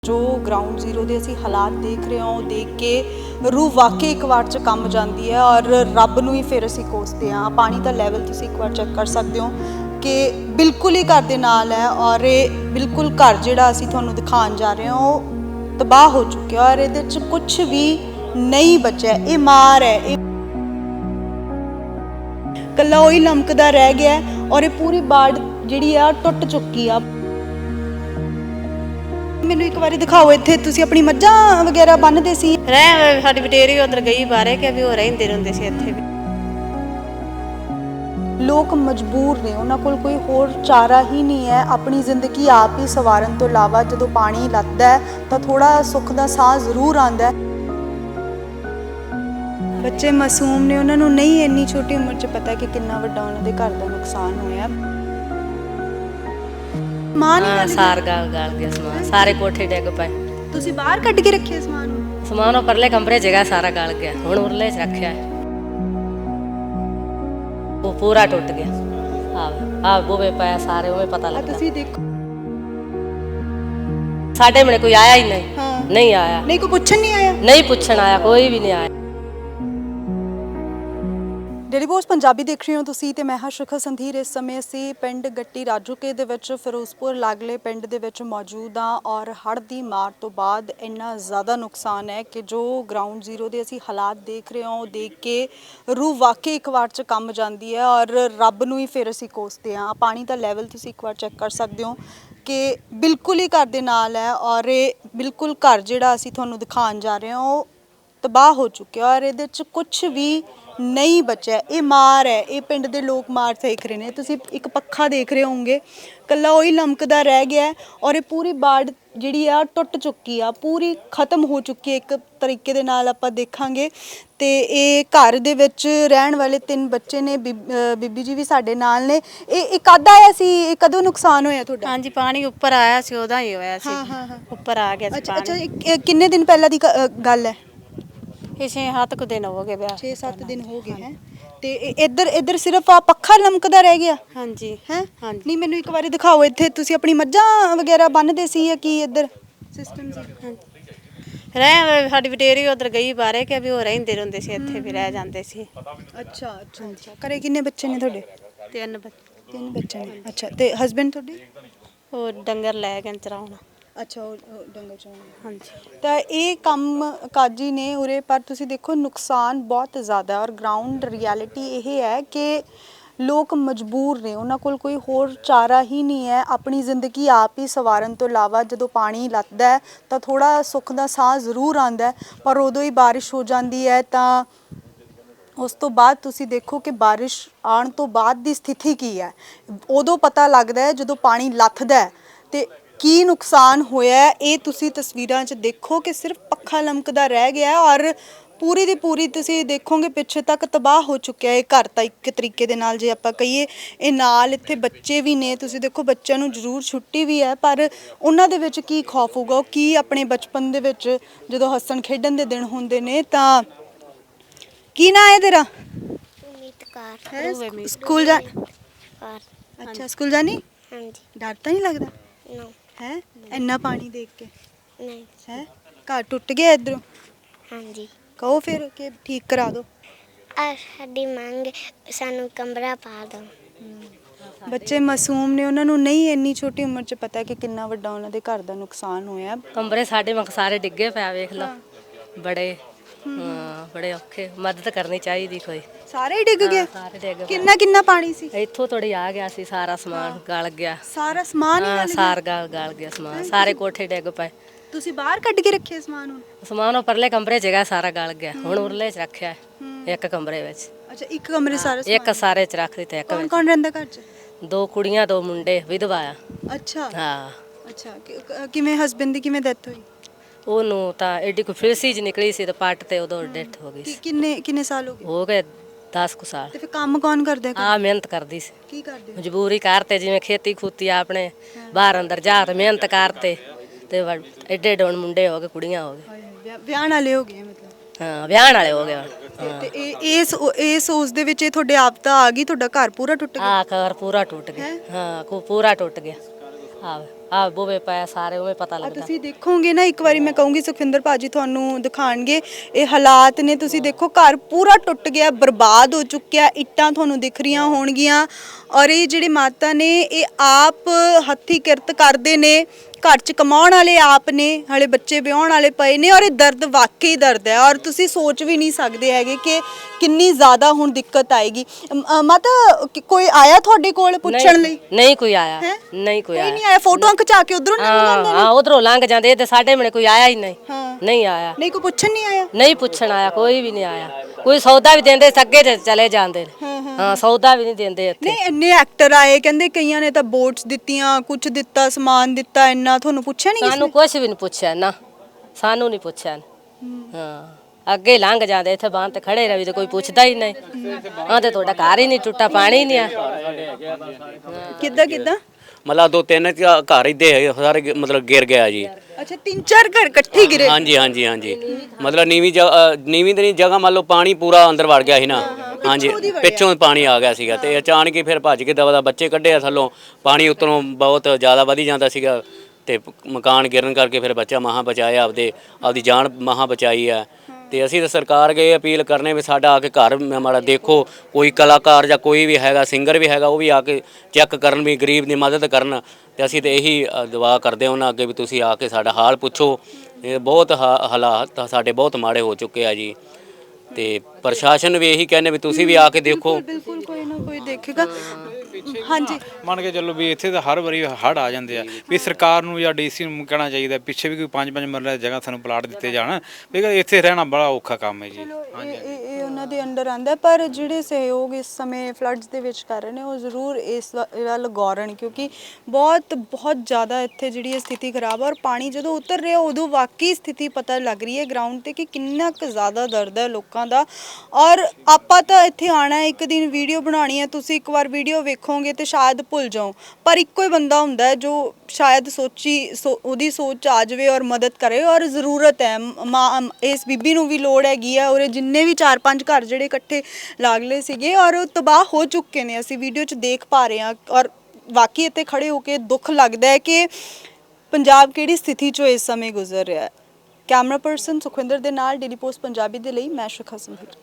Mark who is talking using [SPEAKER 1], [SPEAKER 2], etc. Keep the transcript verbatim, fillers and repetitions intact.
[SPEAKER 1] ਜੋ ground zero ਦੇ ਅਸੀਂ ਹਾਲਾਤ ਦੇਖ ਰਹੇ ਹਾਂ ਉਹ ਦੇਖ ਕੇ ਰੂਹ ਵਾਕਈ ਇੱਕ ਵਾਰ 'ਚ ਕੰਮ ਜਾਂਦੀ ਹੈ ਔਰ ਰੱਬ ਨੂੰ ਹੀ ਫਿਰ ਅਸੀਂ ਕੋਸਦੇ ਹਾਂ। ਪਾਣੀ ਦਾ ਲੈਵਲ ਤੁਸੀਂ ਇੱਕ ਵਾਰ ਚੈੱਕ ਕਰ ਸਕਦੇ ਹੋ ਕਿ ਬਿਲਕੁਲ ਹੀ ਘਰ ਦੇ ਨਾਲ ਹੈ ਔਰ ਇਹ ਬਿਲਕੁਲ ਘਰ ਜਿਹੜਾ ਅਸੀਂ ਤੁਹਾਨੂੰ ਦਿਖਾਉਣ ਜਾ ਰਹੇ ਹਾਂ ਉਹ ਤਬਾਹ ਹੋ ਚੁੱਕਿਆ ਔਰ ਇਹਦੇ 'ਚ ਕੁਝ ਵੀ ਨਹੀਂ ਬਚਿਆ। ਇਹ ਮਾਰ ਹੈ, ਇਹ ਕੱਲਾ ਉਹੀ ਲਮਕਦਾ ਰਹਿ ਗਿਆ ਔਰ ਇਹ ਪੂਰੀ ਬਾੜ ਜਿਹੜੀ ਆ ਟੁੱਟ ਚੁੱਕੀ ਆ। ਮੈਨੂੰ ਇੱਕ ਵਾਰੀ ਦਿਖਾਓ, ਇੱਥੇ ਤੁਸੀਂ ਆਪਣੀ ਮੱਝਾਂ ਵਗੈਰਾ ਬੰਨ੍ਹਦੇ ਸੀ?
[SPEAKER 2] ਰਹਿ ਸਾਡੀ ਬਟੇਰੀ ਉਧਰ ਗਈ ਬਾਰੇ ਕਿ ਵੀ ਉਹ ਰਹਿੰਦੇ ਰਹਿੰਦੇ ਸੀ ਇੱਥੇ ਵੀ।
[SPEAKER 1] ਲੋਕ ਮਜਬੂਰ ਨੇ, ਉਹਨਾਂ ਕੋਲ ਕੋਈ ਹੋਰ ਚਾਰਾ ਹੀ ਨਹੀਂ ਹੈ ਆਪਣੀ ਜ਼ਿੰਦਗੀ ਆਪ ਹੀ ਸਵਾਰਨ ਤੋਂ ਇਲਾਵਾ। ਜਦੋਂ ਪਾਣੀ ਲੱਥਦਾ ਤਾਂ ਥੋੜਾ ਸੁੱਖ ਦਾ ਸਾਹ ਜ਼ਰੂਰ ਆਉਂਦਾ। ਬੱਚੇ ਮਾਸੂਮ ਨੇ, ਉਹਨਾਂ ਨੂੰ ਨਹੀਂ ਇੰਨੀ ਛੋਟੀ ਉਮਰ 'ਚ ਪਤਾ ਕਿ ਕਿੰਨਾ ਵੱਡਾ ਉਹਨਾਂ ਦੇ ਘਰ ਦਾ ਨੁਕਸਾਨ ਹੋਇਆ। ਸਮਾਨ
[SPEAKER 2] ਹਾਂ, ਸਾਰ ਗਾਲ ਗਾਲ ਗਿਆ ਸਮਾਨ, ਸਾਰੇ ਕੋਠੇ ਡਿੱਗ ਪਏ।
[SPEAKER 1] ਤੁਸੀਂ ਬਾਹਰ ਕੱਢ ਕੇ ਰੱਖਿਆ ਸਮਾਨ ਨੂੰ?
[SPEAKER 2] ਸਮਾਨ ਉਹ ਪਰਲੇ ਕਮਰੇ ਜਗ੍ਹਾ ਸਾਰਾ ਗਲ ਗਿਆ, ਹੁਣ ਉਰਲੇ 'ਚ ਰੱਖਿਆ ਹੈ। ਉਹ ਪੂਰਾ ਟੁੱਟ ਗਿਆ। ਆਹ ਆਹ ਬੋਵੇ ਪਾਇਆ ਸਾਰੇ, ਉਵੇਂ ਪਤਾ ਲੱਗਦਾ।
[SPEAKER 1] ਤੁਸੀਂ ਦੇਖੋ,
[SPEAKER 2] ਸਾਡੇ ਮਨੇ ਕੋਈ ਆਇਆ ਹੀ ਨਹੀਂ।
[SPEAKER 1] ਹਾਂ,
[SPEAKER 2] ਨਹੀਂ ਆਇਆ,
[SPEAKER 1] ਨਹੀਂ ਕੋਈ ਪੁੱਛਣ ਨਹੀਂ ਆਇਆ,
[SPEAKER 2] ਨਹੀਂ ਪੁੱਛਣ ਆਇਆ, ਕੋਈ ਵੀ ਨਹੀਂ ਆਇਆ।
[SPEAKER 1] ਡੇਲੀ ਪੋਸਟ ਪੰਜਾਬੀ ਦੇਖ ਰਹੇ ਹੋ ਤੁਸੀਂ ਤੇ ਮੈਂ ਹਾਂ ਸ਼ਿਖਾ ਸੰਧੀਰ। ਇਸ ਸਮੇਂ ਅਸੀਂ ਪਿੰਡ ਗੱਟੀ ਰਾਜੂਕੇ ਦੇ ਵਿੱਚ ਫਿਰੋਜ਼ਪੁਰ ਲਾਗਲੇ ਪਿੰਡ ਦੇ ਵਿੱਚ ਮੌਜੂਦ ਹਾਂ ਔਰ ਹੜ੍ਹ ਦੀ ਮਾਰ ਤੋਂ ਬਾਅਦ ਇੰਨਾ ਜ਼ਿਆਦਾ ਨੁਕਸਾਨ ਹੈ ਕਿ ਜੋ ਗਰਾਊਂਡ ਜ਼ੀਰੋ ਦੇ ਅਸੀਂ ਹਾਲਾਤ ਦੇਖ ਰਹੇ ਹਾਂ ਉਹ ਦੇਖ ਕੇ ਰੂਹ ਵਾਕਈ ਇੱਕ ਵਾਰ 'ਚ ਕੰਮ ਜਾਂਦੀ ਹੈ ਔਰ ਰੱਬ ਨੂੰ ਹੀ ਫਿਰ ਅਸੀਂ ਕੋਸਦੇ ਹਾਂ। ਪਾਣੀ ਦਾ ਲੈਵਲ ਤੁਸੀਂ ਇੱਕ ਵਾਰ ਚੈੱਕ ਕਰ ਸਕਦੇ ਹੋ ਕਿ ਬਿਲਕੁਲ ਹੀ ਘਰ ਦੇ ਨਾਲ ਹੈ ਔਰ ਇਹ ਬਿਲਕੁਲ ਘਰ ਜਿਹੜਾ ਅਸੀਂ ਤੁਹਾਨੂੰ ਦਿਖਾਉਣ ਜਾ ਰਹੇ ਹਾਂ ਉਹ ਤਬਾਹ ਹੋ ਚੁੱਕਿਆ ਔਰ ਇਹਦੇ 'ਚ ਕੁਝ ਵੀ ਨਹੀਂ ਬਚਿਆ। ਇਹ ਮਾਰ ਹੈ, ਇਹ ਪਿੰਡ ਦੇ ਲੋਕ ਮਾਰ ਦੇਖ ਰਹੇ ਨੇ। ਤੁਸੀਂ ਇੱਕ ਪੱਖਾ ਦੇਖ ਰਹੇ ਹੋਵੋਗੇ, ਕੱਲਾ ਉਹੀ ਲਮਕਦਾ ਰਹਿ ਗਿਆ ਔਰ ਇਹ ਪੂਰੀ ਬਾੜ ਜਿਹੜੀ ਆ ਟੁੱਟ ਚੁੱਕੀ ਆ, ਪੂਰੀ ਖਤਮ ਹੋ ਚੁੱਕੀ ਹੈ ਇੱਕ ਤਰੀਕੇ ਦੇ ਨਾਲ ਆਪਾਂ ਦੇਖਾਂਗੇ। ਤੇ ਇਹ ਘਰ ਦੇ ਵਿੱਚ ਰਹਿਣ ਵਾਲੇ ਤਿੰਨ ਬੱਚੇ ਨੇ, ਬੀਬੀ ਜੀ ਵੀ ਸਾਡੇ ਨਾਲ ਨੇ। ਇਹ ਇਹ ਕਦ ਆਇਆ ਸੀ, ਇਹ ਕਦੋਂ ਨੁਕਸਾਨ ਹੋਇਆ ਤੁਹਾਡਾ?
[SPEAKER 2] ਹਾਂਜੀ, ਪਾਣੀ ਉੱਪਰ ਆਇਆ ਸੀ, ਉਹਦਾ ਹੀ ਹੋਇਆ ਸੀ।
[SPEAKER 1] ਹਾਂ ਹਾਂ ਹਾਂ,
[SPEAKER 2] ਉੱਪਰ ਆ ਗਿਆ ਸੀ
[SPEAKER 1] ਅੱਛਾ
[SPEAKER 2] ਪਾਣੀ।
[SPEAKER 1] ਅੱਛਾ, ਇਹ ਕਿੰਨੇ ਦਿਨ ਪਹਿਲਾਂ ਦੀ ਗੱਲ ਹੈ?
[SPEAKER 2] ਇਹ ਛੇ ਹੱਥ ਕੁ ਦਿਨ ਹੋ ਗਏ ਵਿਆਹ।
[SPEAKER 1] ਛੇ ਸੱਤ ਦਿਨ ਹੋ ਗਏ ਹੈ। ਤੇ ਇੱਧਰ ਇੱਧਰ ਸਿਰਫ ਆ ਪੱਖਾ ਲਮਕਦਾ ਰਹਿ ਗਿਆ?
[SPEAKER 2] ਹਾਂਜੀ
[SPEAKER 1] ਹੈ।
[SPEAKER 2] ਹਾਂਜੀ,
[SPEAKER 1] ਨਹੀਂ, ਮੈਨੂੰ ਇੱਕ ਵਾਰੀ ਦਿਖਾਓ, ਇੱਥੇ ਤੁਸੀਂ ਆਪਣੀ ਮੱਝਾਂ ਵਗੈਰਾ ਬੰਨ੍ਹਦੇ ਸੀ ਜਾਂ ਕੀ ਇੱਧਰ ਸਿਸਟਮ ਸੀ?
[SPEAKER 2] ਰਹਿ ਸਾਡੀ ਬਟੇਰੀ ਉਧਰ ਗਈ ਬਾਰੇ ਕਿ ਵੀ ਉਹ ਰਹਿੰਦੇ ਰਹਿੰਦੇ ਸੀ ਇੱਥੇ ਵੀ, ਰਹਿ ਜਾਂਦੇ ਸੀ।
[SPEAKER 1] ਅੱਛਾ ਅੱਛਾ ਅੱਛਾ। ਘਰੇ ਕਿੰਨੇ ਬੱਚੇ ਨੇ ਤੁਹਾਡੇ?
[SPEAKER 2] ਤਿੰਨ ਬੱਚੇ।
[SPEAKER 1] ਤਿੰਨ ਬੱਚੇ ਨੇ, ਅੱਛਾ। ਤੇ ਹਸਬੈਂਡ ਤੁਹਾਡੇ?
[SPEAKER 2] ਉਹ ਡੰਗਰ ਲੈ ਕੇ ਚਰਾਉਣਾ।
[SPEAKER 1] ਅੱਛਾ, ਉਹ ਡੰਗਰ ਚਰਾਉਣਾ।
[SPEAKER 2] ਹਾਂਜੀ,
[SPEAKER 1] ਤਾਂ ਇਹ ਕੰਮ ਕਾਜੀ ਨੇ ਉਰੇ, ਪਰ ਤੁਸੀਂ ਦੇਖੋ ਨੁਕਸਾਨ ਬਹੁਤ ਜ਼ਿਆਦਾ ਔਰ ਗਰਾਊਂਡ ਰਿਐਲਿਟੀ ਇਹ ਹੈ ਕਿ ਲੋਕ ਮਜਬੂਰ ਨੇ, ਉਹਨਾਂ ਕੋਲ ਕੋਈ ਹੋਰ ਚਾਰਾ ਹੀ ਨਹੀਂ ਹੈ ਆਪਣੀ ਜ਼ਿੰਦਗੀ ਆਪ ਹੀ ਸਵਾਰਨ ਤੋਂ ਇਲਾਵਾ। ਜਦੋਂ ਪਾਣੀ ਲੱਥਦਾ ਤਾਂ ਥੋੜਾ ਸੁੱਖ ਦਾ ਸਾਹ ਜ਼ਰੂਰ ਆਉਂਦਾ, ਪਰ ਉਦੋਂ ਹੀ ਬਾਰਿਸ਼ ਹੋ ਜਾਂਦੀ ਹੈ ਤਾਂ ਉਸ ਤੋਂ ਬਾਅਦ ਤੁਸੀਂ ਦੇਖੋ ਕਿ ਬਾਰਿਸ਼ ਆਉਣ ਤੋਂ ਬਾਅਦ ਦੀ ਸਥਿਤੀ ਕੀ ਹੈ। ਉਦੋਂ ਪਤਾ ਲੱਗਦਾ ਹੈ ਜਦੋਂ ਪਾਣੀ ਲੱਥਦਾ ਤੇ ਕੀ ਨੁਕਸਾਨ ਹੋਇਆ। ਇਹ ਤੁਸੀਂ ਤਸਵੀਰਾਂ 'ਚ ਦੇਖੋ ਕਿ ਸਿਰਫ ਪੱਖਾ ਲਮਕਦਾ ਰਹਿ ਗਿਆ ਔਰ ਪੂਰੀ ਦੀ ਪੂਰੀ ਤੁਸੀਂ ਦੇਖੋਗੇ ਪਿੱਛੇ ਤੱਕ ਤਬਾਹ ਹੋ ਚੁੱਕਿਆ ਇਹ ਘਰ। ਤਾਂ ਇੱਕ ਤਰੀਕੇ ਦੇ ਨਾਲ ਜੇ ਆਪਾਂ ਕਹੀਏ, ਇਹ ਨਾਲ ਇੱਥੇ ਬੱਚੇ ਵੀ ਨੇ, ਤੁਸੀਂ ਦੇਖੋ ਬੱਚਿਆਂ ਨੂੰ ਜ਼ਰੂਰ ਛੁੱਟੀ ਵੀ ਹੈ ਪਰ ਉਹਨਾਂ ਦੇ ਵਿੱਚ ਕੀ ਖੌਫ ਹੋਊਗਾ, ਉਹ ਕੀ ਆਪਣੇ ਬਚਪਨ ਦੇ ਵਿੱਚ ਜਦੋਂ ਹੱਸਣ ਖੇਡਣ ਦੇ ਦਿਨ ਹੁੰਦੇ ਨੇ। ਤਾਂ ਕੀ ਨਾਂ ਹੈ ਤੇਰਾ?
[SPEAKER 2] ਉਮੀਦ
[SPEAKER 1] ਸਕੂਲ ਜਾ?
[SPEAKER 2] ਕਾਰ।
[SPEAKER 1] ਅੱਛਾ, ਸਕੂਲ ਜਾਣੀ?
[SPEAKER 3] ਹਾਂਜੀ।
[SPEAKER 1] ਡਰ ਤਾਂ ਨਹੀਂ ਲੱਗਦਾ
[SPEAKER 3] ਨੋ
[SPEAKER 1] ਹੈ ਇੰਨਾ ਪਾਣੀ ਦੇਖ ਕੇ?
[SPEAKER 3] ਨਹੀਂ।
[SPEAKER 1] ਹੈ, ਘਰ ਟੁੱਟ ਗਿਆ ਇੱਧਰੋਂ?
[SPEAKER 3] ਹਾਂਜੀ।
[SPEAKER 1] ਕਹੋ ਫਿਰ ਕਿ ਠੀਕ ਕਰਾ ਦਿਓ।
[SPEAKER 3] ਆ ਸਾਡੀ ਮੰਗ, ਸਾਨੂੰ ਕਮਰਾ ਪਾ ਦਿਓ।
[SPEAKER 1] ਬੱਚੇ ਮਾਸੂਮ ਨੇ, ਉਹਨਾਂ ਨੂੰ ਨਹੀਂ ਇੰਨੀ ਛੋਟੀ ਉਮਰ 'ਚ ਪਤਾ ਕਿ ਕਿੰਨਾ ਵੱਡਾ ਉਹਨਾਂ ਦੇ ਘਰ ਦਾ ਨੁਕਸਾਨ ਹੋਇਆ।
[SPEAKER 2] ਕਮਰੇ ਸਾਡੇ ਮਕ ਸਾਰੇ ਡਿੱਗੇ ਪਿਆ, ਵੇਖ ਲਓ। ਬੜੇ ਹਾਂ, ਬੜੇ ਔਖੇ। ਮਦਦ ਕਰਨੀ ਚਾਹੀਦੀ ਕੋਈ।
[SPEAKER 1] ਸਾਰੇ ਹੀ ਡਿੱਗ ਗਏ?
[SPEAKER 2] ਸਾਰੇ ਡਿੱਗ ਪਏ।
[SPEAKER 1] ਕਿੰਨਾ ਕਿੰਨਾ ਪਾਣੀ ਸੀ?
[SPEAKER 2] ਇੱਥੋਂ ਥੋੜੀ ਆ ਗਿਆ ਸੀ, ਸਾਰਾ ਸਮਾਨ ਗਲ ਗਿਆ।
[SPEAKER 1] ਸਾਰਾ ਸਮਾਨ ਹੀ
[SPEAKER 2] ਹਾਂ,
[SPEAKER 1] ਗਲ ਗਿਆ?
[SPEAKER 2] ਸਾਰ ਗਲ ਗਲ ਗਿਆ ਸਮਾਨ, ਸਾਰੇ ਕੋਠੇ ਡਿੱਗ ਪਏ।
[SPEAKER 1] ਤੁਸੀਂ ਬਾਹਰ ਕੱਢ ਕੇ ਰੱਖਿਆ ਸਮਾਨ ਨੂੰ?
[SPEAKER 2] ਸਮਾਨ ਉਹ ਪਰਲੇ ਕਮਰੇ ਜਗ੍ਹਾ ਸਾਰਾ ਗਲ ਗਿਆ, ਹੁਣ ਉਰਲੇ 'ਚ ਰੱਖਿਆ ਇੱਕ ਕਮਰੇ ਵਿੱਚ।
[SPEAKER 1] ਅੱਛਾ, ਇੱਕ ਕਮਰੇ ਸਾਰਾ ਸਮਾਨ?
[SPEAKER 2] ਇੱਕ ਸਾਰੇ 'ਚ ਰੱਖ ਦਿੱਤਾ। ਇੱਕ
[SPEAKER 1] ਕੌਣ
[SPEAKER 2] ਵਿੱਚ
[SPEAKER 1] ਕੌਣ ਰਹਿੰਦਾ ਘਰ 'ਚ?
[SPEAKER 2] ਦੋ ਕੁੜੀਆਂ, ਦੋ ਮੁੰਡੇ, ਵਿਧਵਾ ਆ।
[SPEAKER 1] ਅੱਛਾ
[SPEAKER 2] ਹਾਂ।
[SPEAKER 1] ਅੱਛਾ, ਕਿ- ਕਿਵੇਂ ਹਸਬੈਂਡ ਦੀ ਕਿਵੇਂ ਡੈਥ ਹੋਈ?
[SPEAKER 2] ਉਹਨੂੰ ਤਾਂ ਐਡੀ ਕੋਈ ਫਿਲਸੀ 'ਚ ਨਿਕਲੀ ਸੀ ਤੇ ਪੱਟ ਤੇ ਉਦੋਂ ਡੈਥ ਹੋ ਗਈ
[SPEAKER 1] ਕਿ-
[SPEAKER 2] ਸੀ।
[SPEAKER 1] ਕਿੰਨੇ ਕਿੰਨੇ ਸਾਲ ਹੋ ਗਏ?
[SPEAKER 2] ਹੋ ਗਏ ਦਸ ਕੁ ਸਾਲ।
[SPEAKER 1] ਤੇ ਫਿਰ ਕੰਮ ਕੌਣ ਕਰਦਾ?
[SPEAKER 2] ਆ ਮਿਹਨਤ ਕਰਦੀ ਸੀ,
[SPEAKER 1] ਕੀ ਕਰਦੇ?
[SPEAKER 2] ਮਜਬੂਰੀ ਕਰਤੇ, ਜਿਵੇਂ ਖੇਤੀ ਖੂਤੀ ਆਪਣੇ ਬਾਹਰ ਅੰਦਰ ਜਾ ਤੇ ਮਿਹਨਤ ਕਰਤੇ ਤੇ ਵ- ਐਡੇ ਡੋਣ ਮੁੰਡੇ ਹੋ ਗਏ, ਕੁੜੀਆਂ ਹੋ ਗਏ।
[SPEAKER 1] ਵਿਆਹ- ਵਿਆਹਣ ਵਾਲੇ ਹੋ ਗਏ ਮਤਲਬ?
[SPEAKER 2] ਹਾਂ, ਵਿਆਹਣ ਵਾਲੇ ਹੋ ਗਏ ਹੁਣ। ਹਾਂ,
[SPEAKER 1] ਤੇ ਇਹ ਇਸ ਇਸ ਉਸ ਦੇ ਵਿੱਚ ਇਹ ਤੁਹਾਡੇ ਆਪਦਾ ਆ ਗਈ, ਤੁਹਾਡਾ ਘਰ ਪੂਰਾ ਟੁੱਟ ਗਿਆ?
[SPEAKER 2] ਆ ਘਰ ਪੂਰਾ ਟੁੱਟ ਗਿਆ। ਹਾਂ, ਕੋ ਪੂਰਾ ਟੁੱਟ ਗਿਆ। ਆ ਆ ਬੂਵੇ ਪਏ ਸਾਰੇ ਉਵੇਂ ਪਤਾ
[SPEAKER 1] ਆ
[SPEAKER 2] ਲੱਗਦਾ।
[SPEAKER 1] ਤੁਸੀਂ ਦੇਖੋਗੇ ਨਾ ਇੱਕ ਵਾਰੀ, ਮੈਂ ਕਹੂੰਗੀ ਸੁਖਵਿੰਦਰ ਭਾਜੀ ਤੁਹਾਨੂੰ ਦਿਖਾਣਗੇ ਇਹ ਹਾਲਾਤ ਨੇ। ਤੁਸੀਂ ਦੇਖੋ ਘਰ ਪੂਰਾ ਟੁੱਟ ਗਿਆ, ਬਰਬਾਦ ਹੋ ਚੁੱਕਿਆ, ਇੱਟਾਂ ਤੁਹਾਨੂੰ ਦਿਖ ਰਹੀਆਂ ਹੋਣਗੀਆਂ। ਔਰ ਇਹ ਜਿਹੜੇ ਮਾਤਾ ਨੇ ਇਹ ਆਪ ਹੱਥੀਂ ਕਿਰਤ ਕਰਦੇ ਨੇ, ਘਰ 'ਚ ਕਮਾਉਣ ਵਾਲੇ ਆਪ ਨੇ, ਹਲੇ ਬੱਚੇ ਵਿਆਹੁਣ ਵਾਲੇ ਪਏ ਨੇ। ਔਰ ਇਹ ਦਰਦ ਵਾਕਈ ਦਰਦ ਹੈ, ਔਰ ਤੁਸੀਂ ਸੋਚ ਵੀ ਨਹੀਂ ਸਕਦੇ ਹੈਗੇ ਕਿ ਕਿੰਨੀ ਜ਼ਿਆਦਾ ਹੁਣ ਦਿੱਕਤ ਆਏਗੀ। ਅਮ, ਅ, ਮਾਤਾ ਕਿ- ਕੋਈ ਆਇਆ ਤੁਹਾਡੇ ਕੋਲ ਪੁੱਛਣ ਲਈ?
[SPEAKER 2] ਨਹੀਂ ਕੋਈ ਆਇਆ,
[SPEAKER 1] ਹੈਂ?
[SPEAKER 2] ਨਹੀਂ ਕੋਈ
[SPEAKER 1] ਕੋਈ
[SPEAKER 2] ਆਇਆ।
[SPEAKER 1] ਨਹੀਂ ਆਇਆ? ਫੋਟੋਆਂ ਖਿਚਾ ਕੇ ਉਧਰੋਂ ਲੰਘ ਜਾਂਦੇ
[SPEAKER 2] ਹਾਂ
[SPEAKER 1] ਨੇ?
[SPEAKER 2] ਹਾਂ ਉਧਰੋਂ ਲੰਘ ਜਾਂਦੇ, ਤੇ ਸਾਡੇ ਮਨੇ ਕੋਈ ਆਇਆ ਹੀ ਨਹੀਂ।
[SPEAKER 1] ਹਾਂ।
[SPEAKER 2] ਨਹੀਂ ਆਇਆ,
[SPEAKER 1] ਨਹੀਂ ਕੋਈ ਪੁੱਛਣ ਨਹੀਂ ਆਇਆ?
[SPEAKER 2] ਨਹੀਂ ਪੁੱਛਣ ਆਇਆ, ਕੋਈ ਵੀ ਨਹੀਂ ਆਇਆ। ਕੋਈ ਸੌਦਾ ਵੀ ਦਿੰਦੇ ਅੱਗੇ ਤੇ ਚਲੇ ਜਾਂਦੇ ਨੇ। ਹਾਂ ਸੌਦਾ ਵੀ ਨਹੀਂ ਦਿੰਦੇ ਇੱਥੇ।
[SPEAKER 1] ਨਹੀਂ ਇੰਨੇ ਐਕਟਰ ਆਏ, ਕਹਿੰਦੇ ਕਈਆਂ ਨੇ ਤਾਂ ਬੋਟਸ ਦਿੱਤੀਆਂ, ਕੁਝ ਦਿੱਤਾ, ਸਮਾਨ ਦਿੱਤਾ, ਇੰਨਾ ਤੁਹਾਨੂੰ ਪੁੱਛਿਆ ਨਹੀਂ?
[SPEAKER 2] ਸਾਨੂੰ ਕੁਝ ਵੀ ਨਹੀਂ ਪੁੱਛਿਆ ਨਾ, ਸਾਨੂੰ ਨਹੀਂ ਪੁੱਛਿਆ। ਹਾਂ ਅੱਗੇ ਲੰਘ ਜਾਂਦੇ, ਇੱਥੇ ਬਾਂਹ ਤੇ ਖੜੇ ਰਵੀ ਤੇ ਕੋਈ ਪੁੱਛਦਾ ਹੀ ਨਹੀਂ। ਹਾਂ ਤੇ ਤੁਹਾਡਾ ਘਰ ਹੀ ਨਹੀਂ ਟੁੱਟਾ, ਪਾਣੀ ਹੀ ਨਹੀਂ ਆ।
[SPEAKER 1] ਕਿੱਦਾਂ ਕਿੱਦਾਂ?
[SPEAKER 4] ਮਤਲਬ ਦੋ ਤਿੰਨ ਘ- ਘਰ ਇੱਦੇ ਹੈ ਸਾਰੇ ਗ- ਮਤਲਬ ਗਿਰ ਗਿਆ ਜੀ।
[SPEAKER 1] ਅੱਛਾ ਤਿੰਨ ਚਾਰ ਘਰ ਇਕੱਠੇ ਗਿਰੇ?
[SPEAKER 4] ਹਾਂਜੀ ਹਾਂਜੀ ਹਾਂਜੀ ਮਤਲਬ ਨੀਵੀਂ ਜਗ੍ਹਾ, ਨੀਵੀਂ ਤੇ ਨਹੀਂ ਜਗ੍ਹਾ, ਮੰਨ ਲਓ ਪਾਣੀ ਪੂਰਾ ਅੰਦਰ ਵੜ ਗਿਆ ਸੀ ਨਾ। ਹਾਂਜੀ ਪਿੱਛੋਂ ਪਾਣੀ ਆ ਗਿਆ ਸੀਗਾ ਤੇ ਅਚਾਨਕ ਹੀ ਫਿਰ ਭੱਜ ਕੇ ਦਵਾ ਦਾ ਬੱਚੇ ਕੱਢੇ ਆ ਥੱਲੋਂ। ਪਾਣੀ ਉੱਤੋਂ ਬਹੁਤ ਜ਼ਿਆਦਾ ਵਧੀ ਜਾਂਦਾ ਸੀਗਾ ਤੇ ਮਕਾਨ ਗਿਰਨ ਕਰਕੇ ਫਿਰ ਬੱਚਾ ਮਹਾਂ ਬਚਾਇਆ, ਆਪਦੇ ਆਪਦੀ ਜਾਨ ਮਹਾਂ ਬਚਾਈ ਆ। ਤੇ ਅਸੀਂ ਤਾਂ ਸਰਕਾਰ ਗਏ ਅਪੀਲ ਕਰਨੇ ਵੀ ਸਾਡਾ ਆ ਕੇ ਘਰ ਮਾੜਾ ਦੇਖੋ, ਕੋਈ ਕਲਾਕਾਰ ਜਾਂ ਕੋਈ ਵੀ ਹੈਗਾ, ਸਿੰਗਰ ਵੀ ਹੈਗਾ, ਉਹ ਵੀ ਆ ਕੇ ਚੈੱਕ ਕਰਨ, ਵੀ ਗਰੀਬ ਦੀ ਮਦਦ ਕਰਨ। ਤੇ ਅਸੀਂ ਤਾਂ ਇਹੀ ਅ, ਦੁਆ ਕਰਦੇ ਹਾਂ ਉਹਨਾਂ ਅੱਗੇ ਵੀ ਤੁਸੀਂ ਆ ਕੇ ਸਾਡਾ ਹਾਲ ਪੁੱਛੋ। ਇਹ ਬਹੁਤ ਹਾ- ਹਾਲਾਤ ਸਾਡੇ ਬਹੁਤ ਮਾੜੇ ਹੋ ਚੁੱਕੇ ਆ ਜੀ। ਤੇ ਪ੍ਰਸ਼ਾਸਨ ਵੀ ਇਹੀ ਕਹਿੰਦੇ ਵੀ ਤੁਸੀਂ ਵੀ ਆ ਕੇ ਦੇਖੋ।
[SPEAKER 1] ਬਿਲਕੁਲ ਕੋਈ ਨਾ ਕੋਈ ਦੇਖੇਗਾ। ਹਾਂਜੀ
[SPEAKER 5] ਮੰਨ ਕੇ ਚੱਲੋ ਵੀ ਇੱਥੇ ਤਾਂ ਹਰ ਵਾਰੀ ਹੜ੍ਹ ਆ ਜਾਂਦੇ ਆ, ਵੀ ਸਰਕਾਰ ਨੂੰ ਜਾਂ ਡੀਸੀ ਨੂੰ ਕਹਿਣਾ ਚਾਹੀਦਾ ਪਿੱਛੇ ਵੀ ਕੋਈ ਪੰਜ ਪੰਜ ਮਰਲੇ ਜਗ੍ਹਾ ਸਾਨੂੰ ਪਲਾਟ ਦਿੱਤੇ ਜਾਣ, ਵੀ ਇੱਥੇ ਰਹਿਣਾ ਬੜਾ ਔਖਾ ਕੰਮ ਹੈ ਜੀ।
[SPEAKER 1] ਇਹ ਇਹ ਇਹ ਉਹਨਾਂ ਦੇ ਅੰਡਰ ਆਂਦਾ, ਪਰ ਜਿਹੜੇ ਸਹਿਯੋਗ ਇਸ ਸਮੇਂ ਫਲੱਡਸ ਦੇ ਵਿੱਚ ਕਰ ਰਹੇ ਨੇ ਉਹ ਜ਼ਰੂਰ ਇਸ ਵ- ਵੱਲ ਗੌਰਨ, ਕਿਉਂਕਿ ਬਹੁਤ ਬਹੁਤ ਜ਼ਿਆਦਾ ਇੱਥੇ ਜਿਹੜੀ ਇਹ ਸਥਿਤੀ ਖਰਾਬ ਆ। ਔਰ ਪਾਣੀ ਜਦੋਂ ਉਤਰ ਰਿਹਾ ਉਦੋਂ ਵਾਕਈ ਸਥਿਤੀ ਪਤਾ ਲੱਗ ਰਹੀ ਹੈ ਗਰਾਊਂਡ ਤੇ ਕਿ ਕਿੰਨਾ ਕੁ ਜ਼ਿਆਦਾ ਦਰਦ ਹੈ ਲੋਕਾਂ ਦਾ। ਔਰ ਆਪਾਂ ਤਾਂ ਇੱਥੇ ਆਣਾ ਹੈ, ਇੱਕ ਦਿਨ ਵੀਡੀਓ ਬਣਾਉਣੀ ਹੈ, ਤੁਸੀਂ ਇੱਕ ਵਾਰ ਵੀਡੀਓ ਵੇਖੋਗੇ ਤੇ ਸ਼ਾਇਦ ਭੁੱਲ ਜਾਓ, ਪਰ ਇੱਕੋ ਹੀ ਬੰਦਾ ਹੁੰਦਾ ਹੈ ਜੋ ਸ਼ਾਇਦ ਸੋਚੀ ਸੋ ਉਹਦੀ ਸੋਚ ਆ ਜਾਵੇ ਔਰ ਮਦਦ ਕਰੇ। ਔਰ ਜ਼ਰੂਰਤ ਹੈ, ਮਾਂ ਇਸ ਬੀਬੀ ਨੂੰ ਵੀ ਲੋੜ ਹੈਗੀ ਆ। ਔਰ ਜਿੰਨੇ ਵੀ ਚਾਰ ਪੰਜ ਘਰ ਜਿਹੜੇ ਇਕੱਠੇ ਲਾਗਲੇ ਸੀਗੇ ਔਰ ਉਹ ਤਬਾਹ ਹੋ ਚੁੱਕੇ ਨੇ, ਅਸੀਂ ਵੀਡੀਓ 'ਚ ਦੇਖ ਪਾ ਰਹੇ ਹਾਂ। ਔਰ ਵਾਕਈ ਇੱਥੇ ਖੜੇ ਹੋ ਕੇ ਦੁੱਖ ਲੱਗਦਾ ਹੈ ਕਿ ਪੰਜਾਬ ਕਿਹੜੀ ਸਥਿਤੀ 'ਚੋਂ ਇਸ ਸਮੇਂ ਗੁਜ਼ਰ ਰਿਹਾ ਹੈ। ਕੈਮਰਾ ਪਰਸਨ ਸੁਖਵਿੰਦਰ ਦੇ ਨਾਲ ਡੇਲੀ ਪੋਸਟ ਪੰਜਾਬੀ ਦੇ ਲਈ ਮੈਂ ਸ਼ਿਖਾ ਸੰਧੂ।